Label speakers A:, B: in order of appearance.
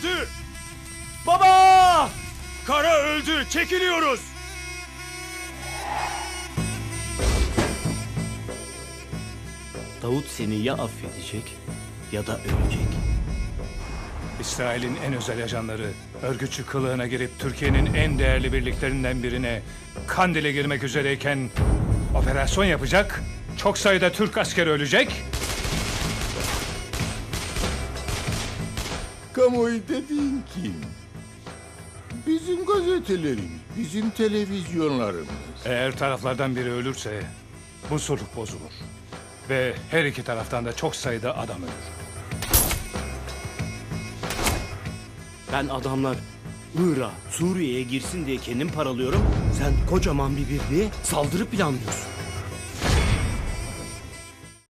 A: öldü.
B: Baba!
A: Kara öldü. Çekiliyoruz.
B: Davut seni ya affedecek ya da ölecek.
A: İsrail'in en özel ajanları örgütçü kılığına girip Türkiye'nin en değerli birliklerinden birine Kandil'e girmek üzereyken operasyon yapacak. Çok sayıda Türk askeri ölecek.
C: Kamuoyu dediğin kim? Bizim gazetelerimiz, bizim televizyonlarımız.
A: Eğer taraflardan biri ölürse bu sulh bozulur. Ve her iki taraftan da çok sayıda adam ölür.
B: Ben adamlar Irak'a, Suriye'ye girsin diye kendim paralıyorum. Sen kocaman bir birliğe saldırı planlıyorsun.